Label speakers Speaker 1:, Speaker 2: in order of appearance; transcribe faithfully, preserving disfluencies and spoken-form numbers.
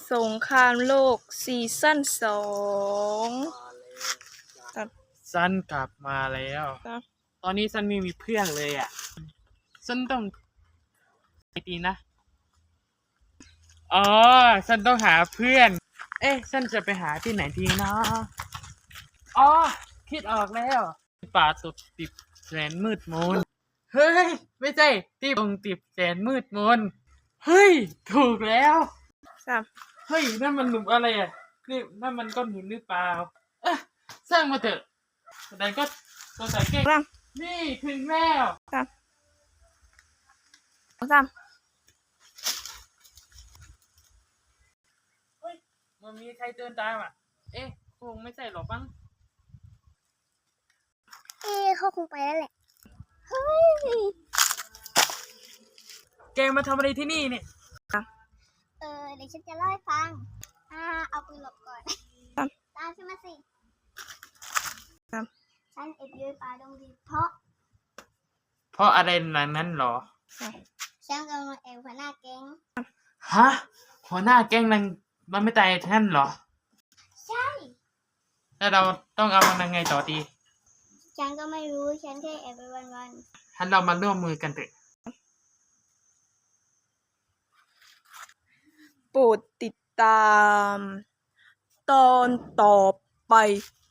Speaker 1: สงครามโลกซีซั่นสองครับ
Speaker 2: ซันกลับมาแล้ว
Speaker 1: ครับ
Speaker 2: ตอนนี้ซันไม่มีเพื่อนเลยอ่ะซันต้องไปตีนะอ๋อซันต้องหาเพื่อน เอ๊ะซันจะไปหาที่ไหนดีนะอ๋อคิดออกแล้วป่าตุดติบแสนมืดมนเฮ้ยไม่ใช่ที่ตรงติบแสนมืดมนเฮ้ยถูกแล้ว
Speaker 1: ครับ
Speaker 2: เฮ้ยนั่นมันหลุมอะไรอ่ะนี่นั่นมันก้อนหินหรือเปล่าเอ๊ะสร้างมาเถอะแต่ก็ตัวใส่เก่ง
Speaker 1: ครับ
Speaker 2: นี่ถึงแล้ว
Speaker 1: ครับครับ
Speaker 2: เฮ้ยมันมีใครเดินตามอ่ะเอ๊ะคงไม่ใช่หรอกมั้ง
Speaker 3: เอ๊ะเขาคงไปแล้วแหละ เฮ้ย
Speaker 2: แกมาทำอะไรที่นี่เนี่ย
Speaker 3: เออ เดี๋ยวฉันจะเล่าให้ฟัง อ่า เอาปืนหลบก่อน
Speaker 1: ครับ
Speaker 3: ตามฉันมาสิ
Speaker 1: ครับ
Speaker 3: ฉันเอ็ดยืนป่าดงดิบเพราะ
Speaker 2: เพราะอะไรหลังนั้นหรอ
Speaker 3: ฉันกำลังแอบหัวหน้าแก๊ง
Speaker 2: ฮะหัวหน้าแก๊งนังมันไม่ตายท่านเหรอ
Speaker 3: ใช่
Speaker 2: แล้วเราต้องเอามันยังไงต่อดี
Speaker 3: ฉันก็ไม่รู้ ฉันแค่แอบไปวัน
Speaker 2: ท่านเรามาร่วมมือกันเถอะ
Speaker 1: โปรดติดตาม ตอนต่อไป